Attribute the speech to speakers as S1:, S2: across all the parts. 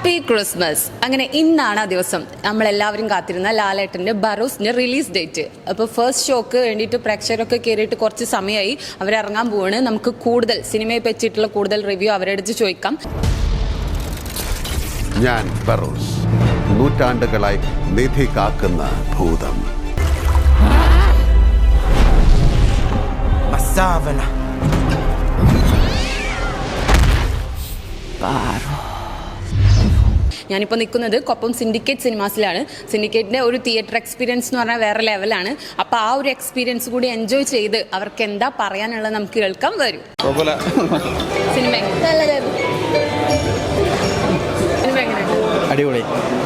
S1: Happy Christmas. അങ്ങനെ ഇന്നാണ് ആ ദിവസം നമ്മളെല്ലാവരും കാത്തിരുന്ന ലാലേട്ടൻ്റെ ബറോസിൻ്റെ റിലീസ് ഡേറ്റ്. അപ്പോൾ ഫസ്റ്റ് ഷോക്ക് വേണ്ടിയിട്ട് പ്രേക്ഷകരൊക്കെ കയറിയിട്ട് കുറച്ച് സമയമായി, അവരിറങ്ങാൻ പോവാണ്. നമുക്ക് കൂടുതൽ സിനിമയെ പറ്റിയിട്ടുള്ള കൂടുതൽ റിവ്യൂ അവരടുത്ത് ചോദിക്കാം.
S2: ഞാൻ ബറോസ്, നൂറ്റാണ്ടുകളായി നിധി കാക്കുന്ന ഭൂതം.
S1: ഞാനിപ്പോൾ നിൽക്കുന്നത് കൊപ്പം സിൻഡിക്കേറ്റ് സിനിമാസിലാണ്. സിൻഡിക്കേറ്റിൻ്റെ ഒരു തിയേറ്റർ എക്സ്പീരിയൻസ് എന്ന് പറഞ്ഞാൽ വേറെ ലെവലാണ്. അപ്പോൾ ആ ഒരു എക്സ്പീരിയൻസ് കൂടി എൻജോയ് ചെയ്ത് അവർക്ക് എന്താ പറയാനുള്ളത് നമുക്ക് കേൾക്കാൻ വരും. സിനിമ
S3: അടിപൊളി,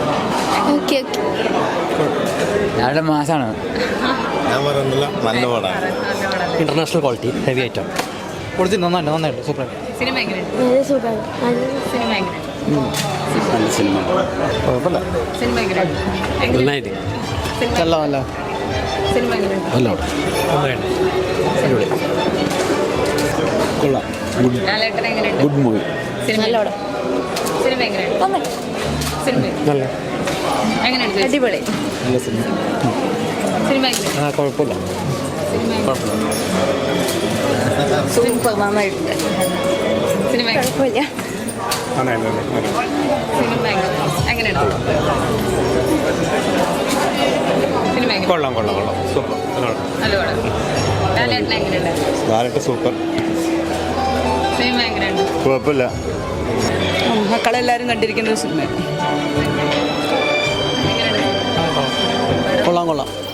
S3: മാസാണ്.
S4: നല്ല പടമാണ്, ഇന്റർനാഷണൽ ക്വാളിറ്റി, ഹെവി ഐറ്റം. നന്നായിട്ട് സൂപ്പർ.
S1: സിനിമ
S4: നല്ല സിനിമ, കുഴപ്പമില്ല. നന്നായിട്ട് നല്ല നല്ല നല്ല കൊള്ളാം. Good movie.
S1: അടിപൊളി
S4: നല്ല സിനിമ. കുഴപ്പമില്ല.
S1: സൂപ്പർ, നന്നായിട്ടുണ്ട്. സിനിമ കുഴപ്പമില്ല.
S4: കൊള്ളാം കൊള്ളാം കൊള്ളാം, സൂപ്പർ. ലാലേട്ടൻ സൂപ്പർ. കുഴപ്പമില്ല.
S1: മക്കളെല്ലാവരും കണ്ടിരിക്കുന്ന ഒരു സിനിമ.
S4: കൊള്ളാം കൊള്ളാം.